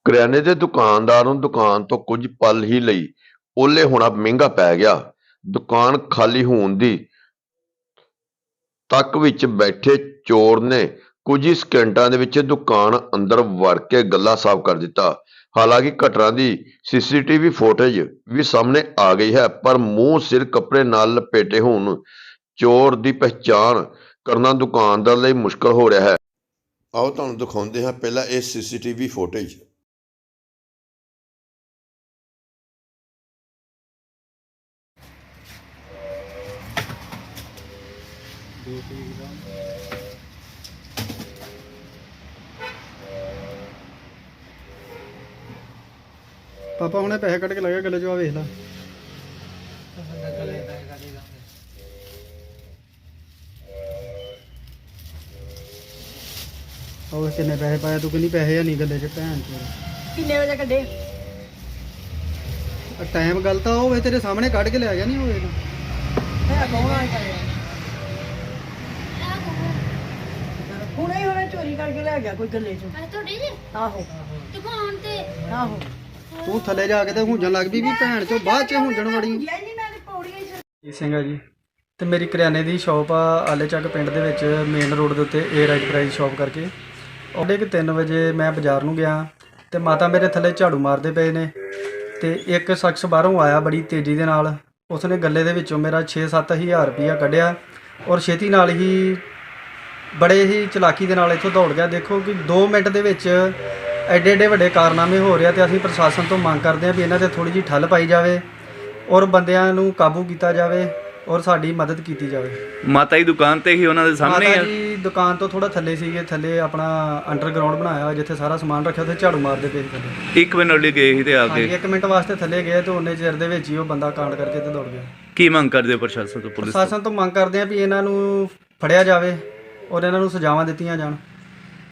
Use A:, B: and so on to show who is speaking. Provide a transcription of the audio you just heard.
A: ਕਰਿਆਨੇ ਦੇ ਦੁਕਾਨਦਾਰ ਨੂੰ ਦੁਕਾਨ ਤੋਂ ਕੁਝ ਪਲ ਹੀ ਲਈ ਓਹਲੇ ਹੋਣਾ ਮਹਿੰਗਾ ਪੈ ਗਿਆ। ਦੁਕਾਨ ਖਾਲੀ ਹੋਣ ਦੀ ਤੱਕ ਵਿੱਚ ਬੈਠੇ ਚੋਰ ਨੇ ਕੁਝ ਹੀ ਸਕਿੰਟਾਂ ਦੇ ਵਿੱਚ ਦੁਕਾਨ ਅੰਦਰ ਵੜ ਕੇ ਗੱਲਾ ਸਾਫ਼ ਕਰ ਦਿੱਤਾ। ਹਾਲਾਂਕਿ ਘਟਨਾ ਦੀ ਸੀਸੀਟੀਵੀ ਫੁਟੇਜ ਵੀ ਸਾਹਮਣੇ ਆ ਗਈ ਹੈ, ਪਰ ਮੂੰਹ ਸਿਰ ਕੱਪੜੇ ਨਾਲ ਲਪੇਟੇ ਹੋਣ ਚੋਰ ਦੀ ਪਹਿਚਾਣ ਕਰਨਾ ਦੁਕਾਨਦਾਰ ਲਈ ਮੁਸ਼ਕਲ ਹੋ ਰਿਹਾ ਹੈ। ਆਓ ਤੁਹਾਨੂੰ ਦਿਖਾਉਂਦੇ ਹਾਂ ਪਹਿਲਾਂ ਇਹ ਸੀਸੀਟੀਵੀ ਫੁਟੇਜ।
B: ਪਾਪਾ ਹੁਣੇ ਪੈਸੇ ਕੱਢ ਕੇ ਲੱਗਿਆ ਗੱਲੇ ਚੋਂ, ਆ ਵੇਖ ਲਾ। ਉਹ ਕਿੰਨੇ ਪੈਸੇ ਪਾਇਆ ਤੂੰ? ਕਿੰਨੀ ਪੈਸੇ ਨਹੀਂ ਗੱਲੇ 'ਚ ਭੈਣ ਚੋਦ।
C: ਕਿੰਨੇ ਵਜੇ ਕੱਢੇ?
B: ਟਾਈਮ ਗੱਲ ਤਾਂ ਹੋਵੇ ਤੇਰੇ ਸਾਹਮਣੇ ਕੱਢ ਕੇ ਲੈ ਗਿਆ ਨਹੀਂ ਹੋਵੇ ਤਾਂ।
C: ਹੈ ਕੌਣ ਆਇਆ ਕਰਿਆ? ਹੁਣੇ ਹੋਵੇ ਚੋਰੀ ਕਰਕੇ ਲੈ ਗਿਆ ਕੋਈ ਗੱਲੇ ਚੋਂ।
D: ਤੁਹਾਡੇ ਜੀ
C: ਆਹੋ
D: ਦੁਕਾਨ ਤੇ
C: ਆਹੋ।
B: ਤੂੰ ਥੱਲੇ ਜਾ ਕੇ ਤੇ ਹੁੰਜਣ ਲੱਗ ਪਈ ਵੀ ਭੈਣ ਚੋਂ ਬਾਅਦ 'ਚ ਹੁੰਜਣ ਵੜੀ।
C: ਯਾਰ ਨਹੀਂ ਮੈਂ ਤੇ ਪੌੜੀਆਂ ਹੀ
B: ਜੀ ਸਿੰਘ ਆ ਜੀ, ਤੇ ਮੇਰੀ ਕਰਿਆਨੇ ਦੀ ਸ਼ਾਪ ਆ ਆਲੇ ਚੱਕ ਪਿੰਡ ਦੇ ਵਿੱਚ, ਮੇਨ ਰੋਡ ਦੇ ਉੱਤੇ ਏਅਰ ਐਂਟਰਪ੍ਰਾਈਜ਼ ਸ਼ਾਪ ਕਰਕੇ। ਉਹਦੇ ਕਿ 3 ਵਜੇ ਮੈਂ ਬਾਜ਼ਾਰ ਨੂੰ ਗਿਆ ਤੇ ਮਾਤਾ ਮੇਰੇ ਥੱਲੇ ਝਾੜੂ ਮਾਰਦੇ ਪਏ ਨੇ, ਤੇ ਇੱਕ ਸ਼ਖਸ ਬਾਹਰੋਂ ਆਇਆ ਬੜੀ ਤੇਜ਼ੀ ਦੇ ਨਾਲ। ਉਸਨੇ ਗੱਲੇ ਦੇ ਵਿੱਚੋਂ ਮੇਰਾ 6-7 ਹਜ਼ਾਰ ਰੁਪਈਆ ਕੱਢਿਆ ਔਰ ਛੇਤੀ ਨਾਲ ਹੀ ਬੜੇ ਹੀ ਚਲਾਕੀ ਦੇ ਨਾਲ ਇੱਥੋਂ ਦੌੜ ਗਿਆ। ਦੇਖੋ ਕਿ 2 ਮਿੰਟ ਦੇ ਵਿੱਚ ਐਡੇ ਐਡੇ ਵੱਡੇ ਕਾਰਨਾਮੇ ਹੋ ਰਿਹਾ, ਤੇ ਅਸੀਂ ਪ੍ਰਸ਼ਾਸਨ ਤੋਂ ਮੰਗ ਕਰਦੇ ਹਾਂ ਵੀ ਇਹਨਾਂ ਤੇ ਥੋੜ੍ਹੀ ਜਿਹੀ ਠੱਲ ਪਾਈ ਜਾਵੇ ਔਰ ਬੰਦਿਆਂ ਨੂੰ ਕਾਬੂ ਕੀਤਾ ਜਾਵੇ ਔਰ ਸਾਡੀ ਮਦਦ ਕੀਤੀ ਜਾਵੇ।
E: ਮਾਤਾ ਦੀ ਦੁਕਾਨ ਤੇ ਹੀ ਉਹਨਾਂ ਦੇ ਸਾਹਮਣੇ
B: ਮਾਤਾ
E: ਆ?
B: ਜੀ ਦੁਕਾਨ ਤੋਂ ਥੋੜਾ ਥੱਲੇ ਸੀਗੇ, ਥੱਲੇ ਆਪਣਾ ਅੰਡਰਗਰਾਉਂਡ ਬਣਾਇਆ ਹੋਇਆ ਜਿੱਥੇ ਸਾਰਾ ਸਮਾਨ ਰੱਖਿਆ, ਉੱਥੇ ਝਾੜੂ ਮਾਰਦੇ ਪਏ ਸੀ ਥੱਲੇ।
E: 1 ਮਿੰਟ ਲਈ ਗਏ ਸੀ ਤੇ ਆ
B: ਹਾਂਜੀ,
E: ਕੇ
B: 1 ਮਿੰਟ ਵਾਸਤੇ ਥੱਲੇ ਗਏ ਤੇ ਉਹਨੇ ਚਿਰ ਦੇ ਵਿੱਚ ਹੀ ਉਹ ਬੰਦਾ ਕਾਂਡ ਕਰਕੇ ਤੇ ਦੌੜ ਗਿਆ।
E: ਕੀ ਮੰਗ ਕਰਦੇ ਹੋ ਪ੍ਰਸ਼ਾਸਨ ਤੋਂ, ਪੁਲਿਸ ਤੋਂ?
B: ਪ੍ਰਸ਼ਾਸਨ ਤੋਂ ਮੰਗ ਕਰਦੇ ਹਾਂ ਵੀ ਇਹਨਾਂ ਨੂੰ ਫੜਿਆ ਜਾਵੇ ਔਰ ਇਹਨਾਂ ਨੂੰ ਸਜ਼ਾਵਾਂ ਦਿੱਤੀਆਂ ਜਾਣ।